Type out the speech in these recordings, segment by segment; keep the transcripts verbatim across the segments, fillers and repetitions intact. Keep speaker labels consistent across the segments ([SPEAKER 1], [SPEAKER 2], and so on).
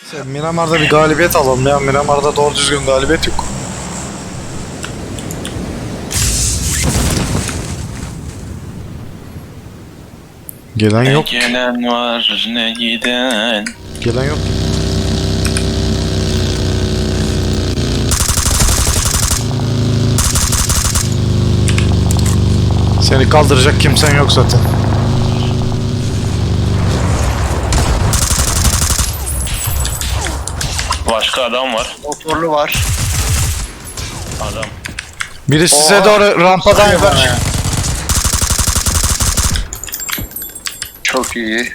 [SPEAKER 1] Miramar'da bir galibiyet alalım ya. Miramar'da doğru düzgün galibiyet yok. Gelen
[SPEAKER 2] Ne
[SPEAKER 1] yok.
[SPEAKER 2] gelen var ne giden.
[SPEAKER 1] Gelen yok. Seni kaldıracak kimsen yok zaten.
[SPEAKER 2] Başka adam var.
[SPEAKER 3] Motorlu var.
[SPEAKER 2] Adam.
[SPEAKER 1] Biri size
[SPEAKER 3] Oha.
[SPEAKER 1] doğru rampadan
[SPEAKER 3] Sayıyor
[SPEAKER 1] yukarı
[SPEAKER 3] bana
[SPEAKER 1] çık.
[SPEAKER 3] ya. Çok iyi.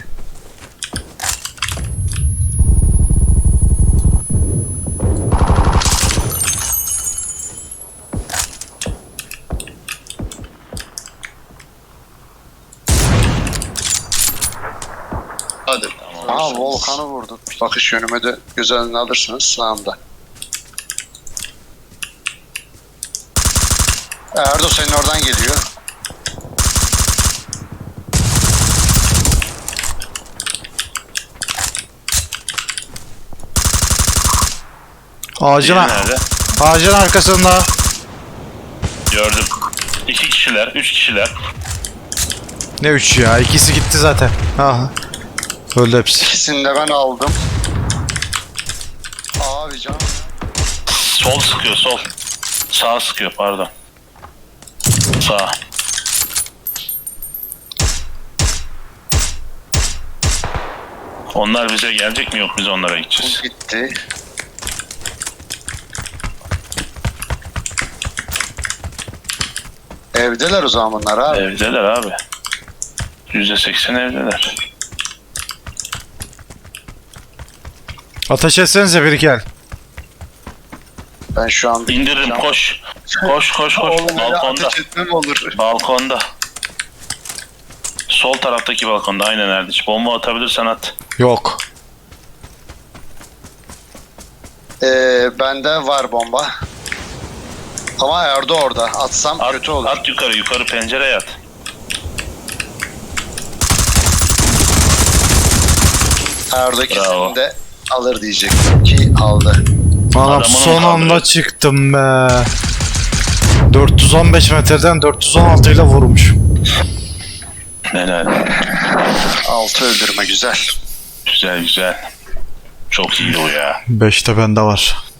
[SPEAKER 3] Hadi.
[SPEAKER 2] Tamam.
[SPEAKER 3] Aha volkanı vurdum. Bakış yönüme de göz önüne alırsınız sağımda. Erdo senin oradan geliyor.
[SPEAKER 1] Ağacın,
[SPEAKER 2] Diğeri nerede?
[SPEAKER 1] ağacın arkasında.
[SPEAKER 2] Gördüm. İki kişiler, üç kişiler.
[SPEAKER 1] Ne üç ya? İkisi gitti zaten. Aha. Öldü hepsi.
[SPEAKER 3] İkisini de ben aldım. Abi canım.
[SPEAKER 2] Sol sıkıyor, sol. Sağ sıkıyor, pardon. Sağ. Onlar bize gelecek mi, yok biz onlara gideceğiz.
[SPEAKER 3] Gitti. Evdeler o zaman bunlar abi.
[SPEAKER 2] Evdeler abi. Yüzde seksen evdeler.
[SPEAKER 1] Ateş etsenize biri gel.
[SPEAKER 3] Ben şu an
[SPEAKER 2] İndiririm, koş. Koş, koş, koş.
[SPEAKER 3] Oğlum öyle
[SPEAKER 2] Balkonda.
[SPEAKER 3] ateş etmem olur.
[SPEAKER 2] Balkonda. Sol taraftaki balkonda, aynen Erdiç. Bomba atabilirsen at.
[SPEAKER 1] Yok.
[SPEAKER 3] Ee, bende var bomba. Ama Erdo orada. Atsam
[SPEAKER 2] At,
[SPEAKER 3] kötü olur.
[SPEAKER 2] at yukarı, yukarı pencereye at.
[SPEAKER 3] Erdo
[SPEAKER 2] Bravo.
[SPEAKER 3] ikisini de alır diyecektim ki aldı.
[SPEAKER 1] Anam
[SPEAKER 2] Adamın
[SPEAKER 1] son anda
[SPEAKER 2] kaldırıyor.
[SPEAKER 1] çıktım be. dört yüz on beş metreden dört yüz on altı ile vurmuş.
[SPEAKER 2] Helal.
[SPEAKER 3] Altı öldürme güzel.
[SPEAKER 2] Güzel güzel. Çok iyi o ya.
[SPEAKER 1] beşte bende var.